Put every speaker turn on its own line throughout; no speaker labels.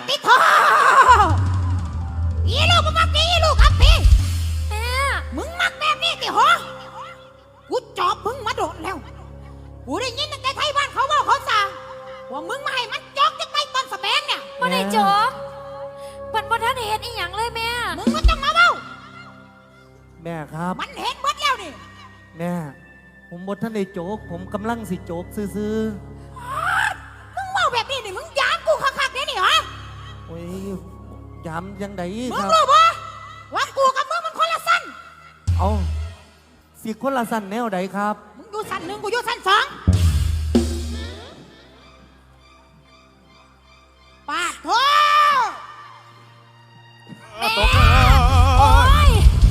ติดทออีลูกมึงมักนี่อีลูกครับพี่
แม่
มึงมักแบบนี้ติหอกูจอบมึงมาโดดแล้วกูได้ยินตั้งแต่ไทยบ้านเขาว่าเขาสั่งว่ามึงมาให้มันจอกจังไงตอนสแบงเนี่ย
บ่ได้จบมันบ่ทันเห็นอีหยังเลยแม่
มึงก็ต้องมาเบ้า
แม่ครับ
มันเห็นหมดแล้วนี่
แม่ผมบดท่านได้โจกผมกำลังสิโจกซื้อ
มึงเมาแบบนี้นี่มึงยามกูคักๆเนี่ยนี่เหรอ
โอ้ยยามยังไง
มึง
ครับ
รู้ปะว่ากูกับมึงมันคนละสั้น
เอาสิคนละสั้นแนวใดครับ
มึงอยู่สั้นหนึ่งกูอยู่สั้นสองปาดโถ
แม่โอ้ย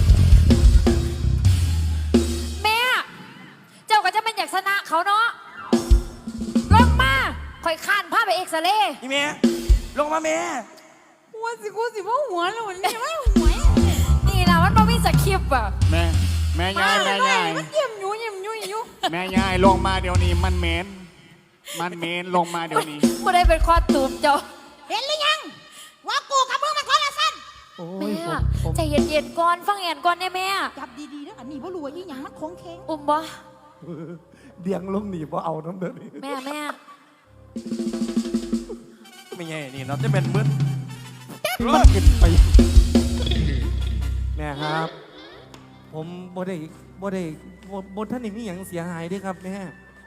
แม่เจ้าก็จะเป็นอยากชนะเขาเนาะลงมาคอยข้านพาไปเอ็กซเรย์
นี่แม่ลงมาแม่
หัวสิกูสิว่าหัวแล้วมันนี่ว่าหัว
นี่ล่ะมันบ่มีสคริปต์อ่ะ
แม่ยาย
มันเยี่ยมอยู่อยู่
แม่ยายลงมาเดี๋ยวนี้มันเมนลงมาเดี๋ยวนี้
บ่ได้เป็นคอตูมเจ้า
เห็นหรือยังว่ากูกับมึงมันคนละสั้น
แม่ใจเย็นๆก่อนฟังแอนก่อนได้แม่
จับดีๆนะอันนี้บ่รู้ว่าอีหยังมันคงเค้ง
อุ้มบ่
เดียงลงหนีบ่เอาน้ำเดือด
แม่
ไม่ไงนี่เราจะเป็นมึน
มันขึ้นไปแม่ครับผมบ่ท่านนี่มีอย่างเสียหายด้วยครับแม่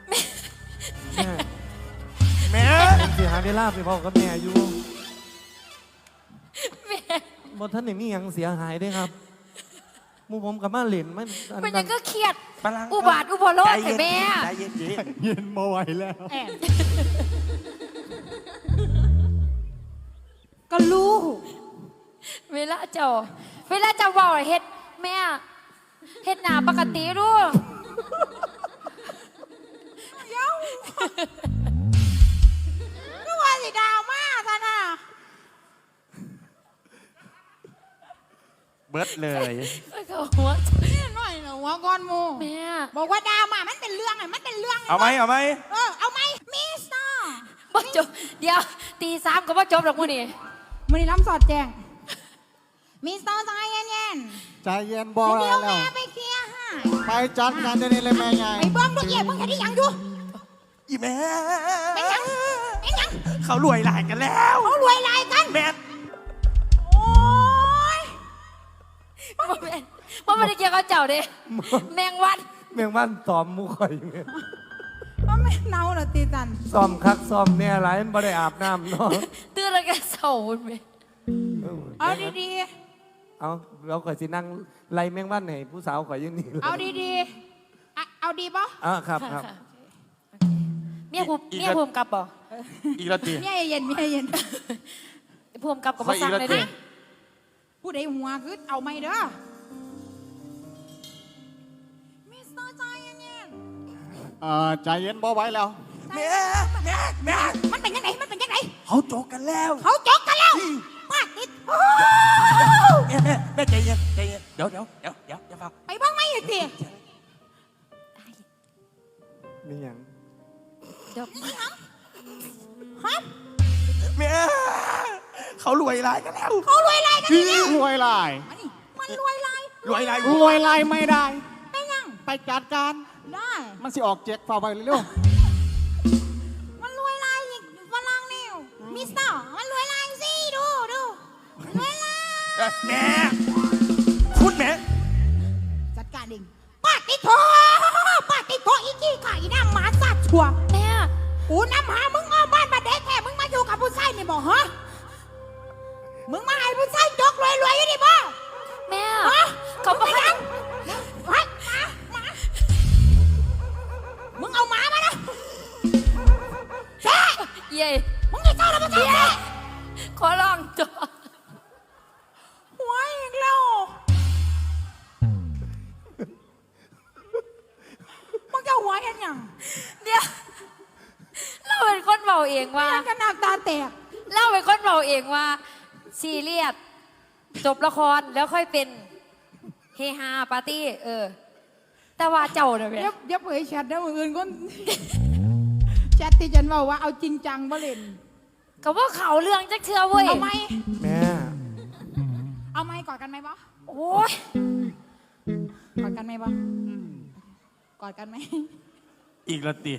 เสียหายได้ลาบไปพ่อกับแม่อยู่บ่ท่านนี่มีอย่างเสียหายด้วยครับมูผมกับมาเล่น
มันยังก็เครียดอุบาทอุบโลกแต่แม่
เย็นมาไหวแล้ว
ก็รู้
เวลาเจ้าว่าเฮ็ดแม่เฮ็ดหน้าปกติรู้
เย้าก็ว่าสิดาวมาซะน่ะ
เบิดเลย
ก็หัว
นี่หน่อยนะหัวก้อนมู
แม่
บอกว่าดาวมามันเป็นเรื่องไงมันเป็นเรื่อง
เอาไหม
เอาไหมมิสเตอร์
บ่จบเดี๋ยวตี 3ก็บ่จบหรอกมื้อนี้
ล้ำสอดแจงมิสเตอร์ใจเย็น
ใจเย็นบอกแล้ว
แม่ไปเคลียร์ให้
ไปจัดการเดี๋ยวนี้เลยแม่ใหญ่
ไปเบิ้มดูเอี่ยมมึงเห็นได้ยังดู
อีแม่
เป็นยัง
เขารวยหลายกันแล้ว
เขารวยหลายกัน
แม่
โอ้ย
บ่ได้เกี่ยวกับเจ้าเด้แมงวัน
ซ้อมมุข่อย
ว่าไม่เน่าหรอตีจัน
ซ้อมคักซ้อมเนี่ยอะไรมันบ่ได้อาบน้ำเนาะ
ตื่นแล้วก็เศร้าแม่
เอาดี
ๆเอาเราข่อยสินั่งไล่แมงวันให้ผู้สาวข่อยอยู่นี่
เอาดีๆเอาดีป่ะ
ครับ
เมียภูมิกับบ่
อีกแล้วตี
เมียเย็น
ภูมิกับบ่สั่งเลยดิ
ผู้ใดหัวคือเอาไม่เด้อมิสเตอร์ใจเย็น
ใจเย็นบ่ไหวแล้ว
แม่
มันเป็นยังไง
เขาโจกกันแล้ว
ป้าติด
แม่ใจเย็นเดี๋ยวอย่าฟัง
ไปบ้างไหมสิ
มีอย่าง
ฮะ
แม่เขารวยลายกันแล้ว
รวยลาย
รวยลาย
มันรวยลาย
ไม่ได้
ไปยัง
ไปจัดการ
ได้
มันสิออกเจ็กฝ่าไปเร็ว
มันรวยลายอีกฝรั่งนิวมิสเตอร์มันรวยลายสิดูรวยลาย
แม่คุณแม่
จัดการเองป้าติโถอีกี้ไข่หน้าหมาสัตว์ชัว
แม่
กูนำหามึงเอาบ้านมาเด็กแค่มึงมาอยู่กับผู้ชายนี่บอกฮะมึงมาให้ผู้ชายจกรวยอยู่ดิบ่
แม่เขาบอก
ให้หมามึงเอาหมามานะแช่
เย่
มึงจะเจ้าแล้วมึงจะ
ขอลองตัว
หัวอีกแล้วมึงจะหัวเห็นยัง
เดี๋ยวเราเป็นคนเบาเองว่า
กันหนักตาแตก
เราเป็นคนเบาเองว่าซีเรียสจบละครแล้วค่อยเป็นเฮฮาปาร์ตี้แต่ว่าเจ้าเนี่ย
เดี๋ยวเผยแชทได้มืออื่นก็แชทที่ฉันบอกว่าเอาจริงจังบ่เล่น
ก็ว่าเขาเรื่องจักเชื่อเว้ย
เอาไหม
แม่
เอาไหมกอดกันไหมบ่
โอ้ย
กอดกันไหมบ่กอดกันไหม
อีกละตี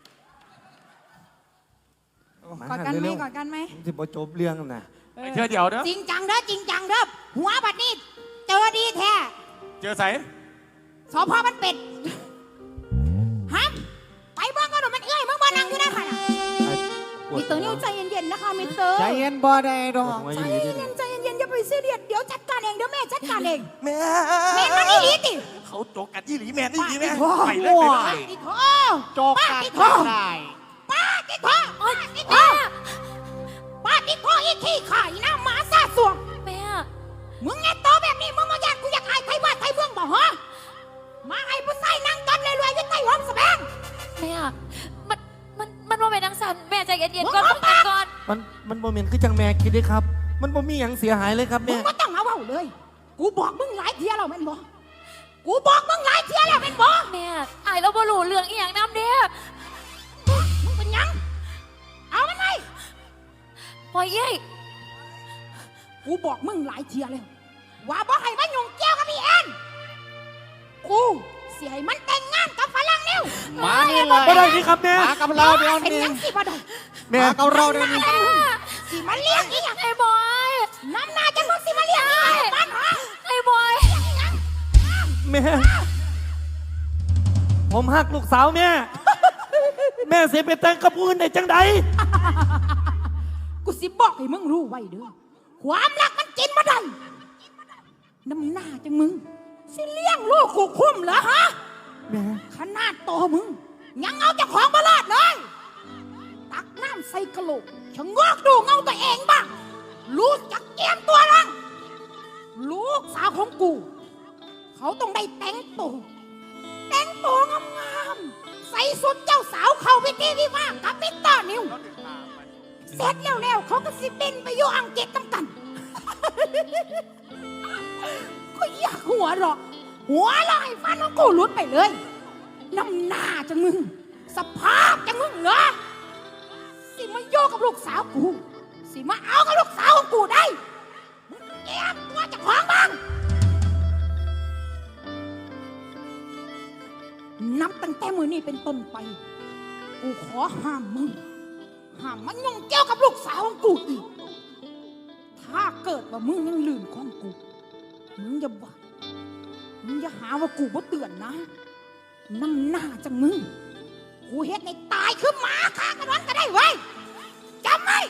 กอดกันไหมกอดกันไหม
สิบ่จบเรื่องนะ
เชื่อเดี๋ยวเด้อ
จริงจังเด้อจริงจังเด้อหัวบัดนี้เจอดีแท้
เจอใส่
สพมันเป็ดฮะไปบ้างก็หนูมันเอ้ยมึงมานั่งอยู่นะค่ะน่ะมิสเตอร์นิวใจเย็นๆนะคะมิสเตอร์
ใจเย็นบ่ได้ดอก
ใจเย็นๆใจเย็นๆอย่าไปซีเรียสเดี๋ยวจัดการเองเดี๋ยวแม่จัดการเอง
แม่
แม่มันนี่ดีติ
เขาโจกกันอีหลีแม่นี่ดีแม่
ป้า
ไปเลยไปเลย
ติโถ
โจกกัน
ป้าติโถ
ได้
ป้าติโถป้าติโถป้าติโถอีขี้ข่ายนะหมาซาสวง
แม่
มึงไงโตแบบนี้มึงมาอยากกูอยากอายไทยบ้านไทยเมืองบ่ฮะมาให้ผู้ใส่นั่งกันรวยๆอยู่ใต้หอมสแบง
แม่มันว่าเป็นนังสันแม่ใจเย็นๆก่อนต้องกันก่อน
มันบ่แม่นคือจังแม่คิดเด้ครับ มันบ่มีหยังเสียหายเลยครับ
มึ
แม่
งก็ต้องมาเว้าเลย กูบอกมึงหลายเที่ยแล้วแม่นบ่กูบอกมึงหลายเที่ยแล้วแม่นบ่
แม่อายเราบ่รู้เรื่องอีหยังน้ำเด้อ
มึงเป็นหยังเอามันไง
ปล่อยเย้ย
กูบอกมึงหลายเที่ยแล้วว่าบ่ให้มันยุ่งเกี่ยวกับพี่แอนกูสิให้มันแต่งงานกับฝรั่งนิ้ว
มานี่เลย
บ่ได้นี่ครับแม่
มากับเราเดี๋ยว
เป็น
นี้
หยังสิบ่ได้
แม่
มากับเราเดี๋ยวนี้
สิมาเลี้ยงอีหยัง
ไอ้บอย
น้ำหน้าจะมึงสิมาเลี้ยงอีหยังบ้านฮะ
ไอ้บอย
แม่ ผมฮักลูกสาวแม่ แม่สิไปแต่งกับผู้อื่นได้จังใด
กูสิบอกให้มึงรู้ไว้เด้อความรักมันกินมาได้น้ำหน้าจังมึงสิเลี้ยงลูกกูคุ้มเหรอฮะ
แม่
ขนาดโตมึง ยังเอาเจ้าของมาลอดเลยตักน้ำใส่กระโหลกชะงอกดูเงาตัวเองบ้างรู้จักเกียมตัวลังลูกสาวของกู เขาต้องได้แต่งตัวงามๆใส่สุดเจ้าสาวเข้าพิธีวิวาห์กับมิสเตอร์นิวเสร็จแล้วเขาก็สิบินไปอยู่อังกฤษตั้งกัน ก็อยากหัวเราะให้ฟันของกูหลุดไปเลยน้ำหน้าจังมึง สภาพจังมึงเหรอสิมาโยกกับลูกสาวกูสิมาเอากับลูกสาวของกูได้มึงเก็บตัวเจะของบ้างนับตั้งแต่มือนี้เป็นต้นไป กูขอห้ามมึงห้ามมันยุ่งเกี่ยวกับลูกสาวของกูอีกถ้าเกิดว่ามึงยังลืมของกูมึงอย่าหาว่ากูบ่เตือนนะน้ำหน้าจังมึงกูเฮ็ดในตายคือหมาฆ่ากันวันก็ได้เว้ยจำไว้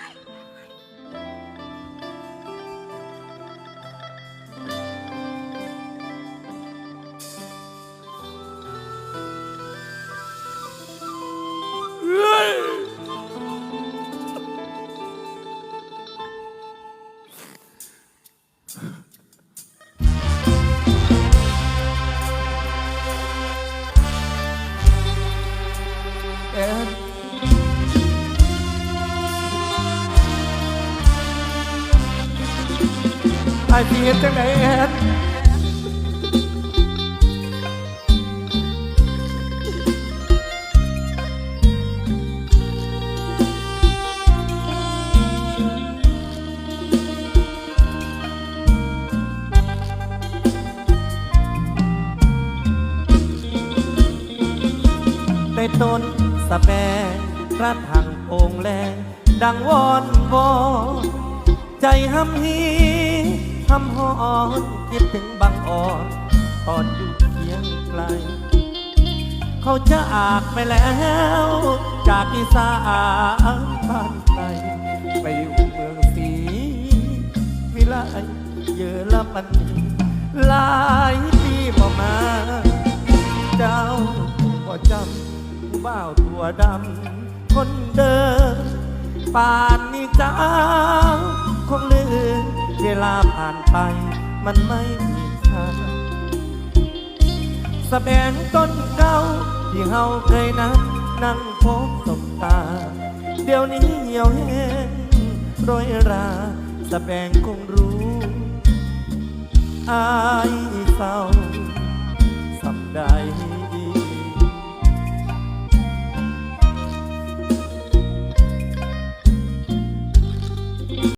แอนไอ้พี่เฮ็ดจังไดแอน ในต้นสะแบงกระถังโอ่งแรงดังวอนวอนใจห้ำฮีห้ำหอนคิดถึงบางอ่อนตอนอยู่เคียงไกล เขาจะจากไปแล้ว จากอีสานบ้านไกลไปอยู่เมืองศรีวิไลเยอรมันหลายปีบ่มา เจ้าบ่จำผู้บ่าวตัวดำคนเดิมป่านนี้เจ้าคงลืมเวลาผ่านไปมันไม่มีค่าสะแบงต้นเก่าที่เฮาเคยนัดนั่งพบสบตา เดี๋ยวนี้เหี่ยวแห้งโรยราสะแบงคงรู้อายเศร้าสำใด